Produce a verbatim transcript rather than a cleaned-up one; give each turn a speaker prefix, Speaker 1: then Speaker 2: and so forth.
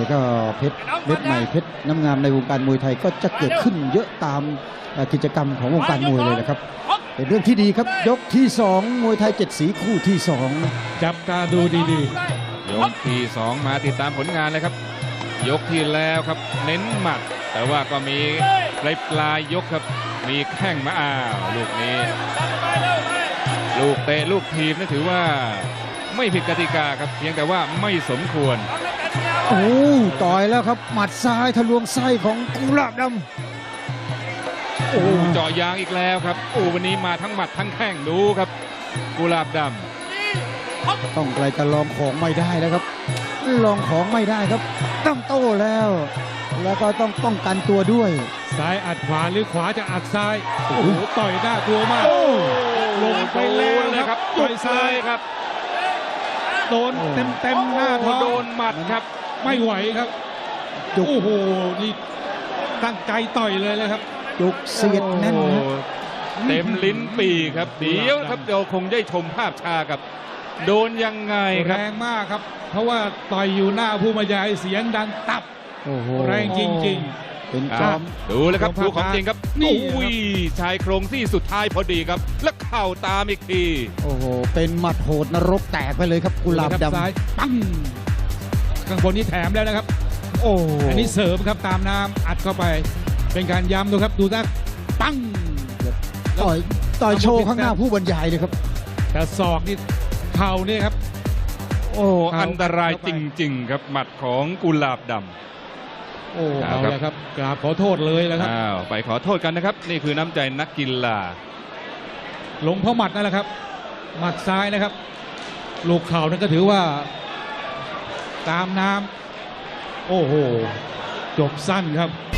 Speaker 1: ก็เพชรเม็ดใหม่เพชรน้ำงามในวงการมวยไทยก็จะเกิดขึ้นเยอะตามกิจกรรมของวงการมวยเลยนะครับเป็นเรื่องที่ดีครับยกที่สองมวยไทยเจ็ดสีคู่ที่สอง
Speaker 2: จับตาดูดี
Speaker 3: ๆยกที่สองมาติดตามผลงานเลยครับยกที่แล้วครับเน้นหมัดแต่ว่าก็มีปลายปลายยกครับมีแข้งมาอ้าวลูกนี้ลูกเตะลูกทีมนี่ถือว่าไม่ผิดกติกาครับเพียงแต่ว่าไม่สมควร
Speaker 1: โอ้ต่อยแล้วครับหมัดซ้ายทะลวงไส้ของกุหลาบดำ
Speaker 3: โอ้เจาะยางอีกแล้วครับโอ้วันนี้มาทั้งหมัดทั้งแข้งดูครับกุหลาบดำ
Speaker 1: ต้องไกลจะลองของไม่ได้แล้วครับลองของไม่ได้ครับต้องโต้แล้วแล้วก็ต้องป้องกันตัวด้วย
Speaker 2: ซ้ายอัดขวาหรือขวาจะอัดซ้ายโอ้โหต่อยหน้ากลัวมากลงไปแล้วนะครับต่อยซ้ายครับโดนเต็มเต็มหน้าท้อง
Speaker 3: โดนหมัดครับ
Speaker 2: ไม่ไหวครับโอ้โหนี่ตั้งใจต่อยเลยเลยครับ
Speaker 1: จุกเสียดแน่น
Speaker 3: เต็มลิ้นปีครับเดี๋ยวครับเราคงได้ชมภาพชากับโดนยังไงครับ
Speaker 2: แรงมากครับเพราะว่าต่อยอยู่หน้าผู้บรรยายเสียงดังตับแรงจริงๆ
Speaker 1: เป็นจอม
Speaker 3: ดูเลยครับดูของจริงครับอุ้ยชายโครงที่สุดท้ายพอดีครับแล้วเข่าตามอีกที
Speaker 1: โอ้โหเป็นหมัดโหดนรกแตกไปเลยครับกุหลาบดำ
Speaker 2: ซ้ายปั้งข้างบนนี้แถมแล้วนะครับโอ้อันนี้เสริมครับตามน้ำอัดเข้าไปเป็นการย้ำดูครับดูนะปั้ง
Speaker 1: ต่อยต่อยโชว์ข้างหน้าผู้บรรยายเลยครับ
Speaker 2: แต่ศอกนี่เข่านี่ครับ
Speaker 3: โอ้อันตรายจริงๆครับหมัดของกุหลาบดำ
Speaker 2: โอ้เอาละครับกราบขอโทษเลยแล้วครับ
Speaker 3: อ้าวไปขอโทษกันนะครับนี่คือน้ำใจนักกีฬา
Speaker 2: ลงเพราะหมัดนั่นแหละครับหมัดซ้ายนะครับลูกเข่านั่นก็ถือว่าตามน้ำโอ้โหจบสั้นครับ